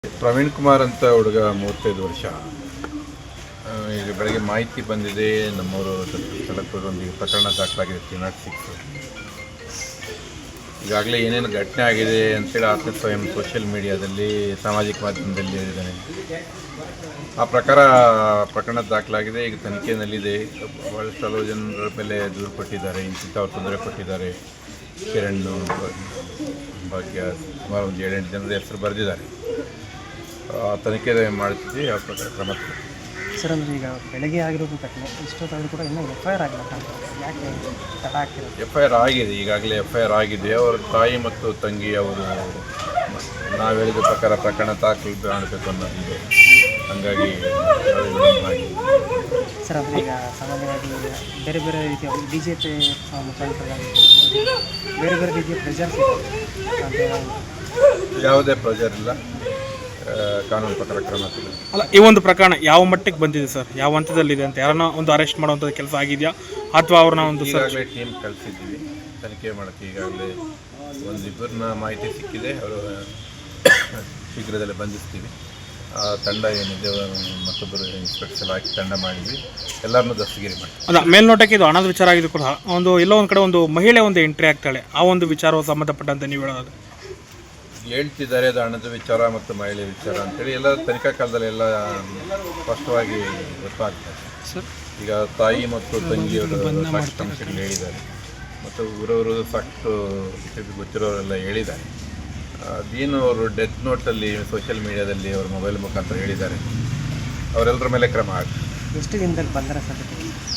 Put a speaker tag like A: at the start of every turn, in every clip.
A: ಪ್ರವೀಣ್ ಕುಮಾರ್ ಅಂತ ಹುಡುಗ 35 ವರ್ಷ. ಈಗ ಬೆಳಗ್ಗೆ ಮಾಹಿತಿ ಬಂದಿದೆ, ನಮ್ಮವರು ಸ್ಥಳಕ್ಕೆ ಹೋಗಿ ಪ್ರಕರಣ ದಾಖಲಾಗಿದೆ 306. ಈಗಾಗಲೇ ಏನೇನು ಘಟನೆ ಆಗಿದೆ ಅಂತೇಳಿ ಆತ ಸ್ವಯಂ ಸೋಷಿಯಲ್ ಮೀಡಿಯಾದಲ್ಲಿ ಸಾಮಾಜಿಕ ಮಾಧ್ಯಮದಲ್ಲಿ ಹೇಳಿದ್ದಾನೆ. ಆ ಪ್ರಕರಣ ದಾಖಲಾಗಿದೆ. ಈಗ ತನಿಖೆಯಲ್ಲಿದೆ. ಭಾಳಷ್ಟು ಹಲವು ಜನರ ಮೇಲೆ ದೂರು ಕೊಟ್ಟಿದ್ದಾರೆ, ಇಂಥವ್ರು ತೊಂದರೆ ಕೊಟ್ಟಿದ್ದಾರೆ. ಕಿರಣ್, ಭಾಗ್ಯ, ಸುಮಾರು ಒಂದು 7-8 ಜನರ ಹೆಸರು ಬರೆದಿದ್ದಾರೆ. ತನಿಖೆ ಮಾಡ್ತೀವಿ. ಆ ಪ್ರಕಾರ ಕ್ರಮ
B: ಸರ್. ಅಂದರೆ ಈಗ ಬೆಳಗ್ಗೆ ಆಗಿರೋದು ಘಟನೆ ಇಷ್ಟೊತ್ತಾದರೂ ಕೂಡ ಇನ್ನೂ FIR ಆಗಿಲ್ಲ, ಯಾಕೆ ತಡ ಆಗ್ತಿರೋದು?
A: FIR ಆಗಿದೆ, ಈಗಾಗಲೇ FIR ಆಗಿದೆ. ಅವರ ತಾಯಿ ಮತ್ತು ತಂಗಿ ಅವರು ನಾವು ಹೇಳಿದ ಪ್ರಕಾರ ಪ್ರಕರಣ ದಾಖಲು ಮಾಡಬೇಕು ಅನ್ನೋದಿದೆ. ಹಾಗಾಗಿ
B: ಸರ್, ಅಂದರೆ ಈಗ ಸಾಮಾನ್ಯವಾಗಿ ಬೇರೆ ಬೇರೆ ರೀತಿಯ BJP ಮುಖಂಡರಾಗಿ ಬೇರೆ ಬೇರೆ ರೀತಿಯ ಪ್ರೆಷರ್ಸ್ ಇದೆ.
A: ಯಾವುದೇ ಪ್ರೆಷರ್ ಇಲ್ಲ, ಕಾನೂನು ಪ್ರಕಾರ ಕ್ರಮ ತಗೊಳ್ಳಿ.
C: ಅಲ್ಲ, ಈ ಒಂದು ಪ್ರಕರಣ ಯಾವ ಮಟ್ಟಿಗೆ ಬಂದಿದೆ ಸರ್? ಯಾವ ಹಂತದಲ್ಲಿದೆ ಅಂತ? ಯಾರನ್ನ ಒಂದು ಅರೆಸ್ಟ್ ಮಾಡುವಂಥದ್ದು ಕೆಲಸ ಆಗಿದೆಯಾ ಅಥವಾ ಅವ್ರನ್ನ ಒಂದು
A: ಈಗಾಗಲೇ ಟೀಮ್ ಕಳಿಸಿದ್ದೀವಿ ತನಿಖೆ ಮಾಡೋಕ್ಕೆ. ಈಗಾಗಲೇ ಒಂದಿಬ್ಬರನ್ನ ಮಾಹಿತಿ ಸಿಕ್ಕಿದೆ, ಅವರು ಶೀಘ್ರದಲ್ಲೇ ಬಂಧಿಸ್ತೀವಿ. ಆ ತಂಡ ಏನಿದೆ, ಮತ್ತೊಬ್ಬರು ಇನ್ಸ್ಪೆಕ್ಷನ್ ಹಾಕಿ ತಂಡ ಮಾಡಿದ್ವಿ, ಎಲ್ಲರನ್ನೂ ದಸ್ತಗಿರಿ ಮಾಡ್ತೀವಿ.
C: ಅಲ್ಲ, ಮೇಲ್ನೋಟಕ್ಕೆ ಇದು ಹಣದ ವಿಚಾರ ಆಗಿದ್ದು ಕೂಡ ಎಲ್ಲೋ ಒಂದು ಕಡೆ ಒಂದು ಮಹಿಳೆ ಒಂದು ಎಂಟ್ರಿ ಆಗ್ತಾಳೆ. ಆ ಒಂದು ವಿಚಾರವು ಸಂಬಂಧಪಟ್ಟಂತೆ ನೀವು ಹೇಳೋದು
A: ಹೇಳ್ತಿದ್ದಾರೆ, ಅದು ಹಣದ ವಿಚಾರ ಮತ್ತು ಮಹಿಳೆ ವಿಚಾರ ಅಂತೇಳಿ ಎಲ್ಲ ತನಿಖಾ ಕಾಲದಲ್ಲಿ ಎಲ್ಲ ಸ್ಪಷ್ಟವಾಗಿ ಗೊತ್ತಾಗ್ತದೆ ಸರ್. ಈಗ ತಾಯಿ ಮತ್ತು ತಂಗಿಯವರು ಸಾಕಷ್ಟು ಅಂಶಗಳು ಹೇಳಿದ್ದಾರೆ, ಮತ್ತು ಊರವರು ಸಾಕಷ್ಟು ಗೊತ್ತಿರೋರೆಲ್ಲ ಹೇಳಿದ್ದಾರೆ. ಅದೇನು ಅವರು ಡೆತ್ ನೋಟಲ್ಲಿ ಸೋಷಿಯಲ್ ಮೀಡಿಯಾದಲ್ಲಿ ಅವ್ರ ಮೊಬೈಲ್ ಮುಖಾಂತರ ಹೇಳಿದ್ದಾರೆ. ಅವರೆಲ್ಲರ ಮೇಲೆ ಕ್ರಮ ಆಗ್ತದೆ.
B: ಎಷ್ಟು ದಿನದಲ್ಲಿ ಬಂದರ ಸಾಧ್ಯತೆ?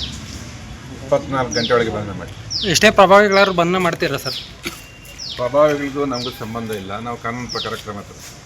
A: 24 ಗಂಟೆ ಒಳಗೆ ಬಂಧನ ಮಾಡಿ.
C: ಎಷ್ಟೇ ಪ್ರಭಾವಿಗಳಾದ್ರು ಬಂಧನ ಮಾಡ್ತೀರಾ ಸರ್?
A: ಪ್ರಭಾವಿಗಳಿಗೂ ನಮಗೂ ಸಂಬಂಧ ಇಲ್ಲ, ನಾವು ಕಾನೂನು ಪ್ರಕಾರ ಕ್ರಮ ತಗೊಳ್ತೀವಿ.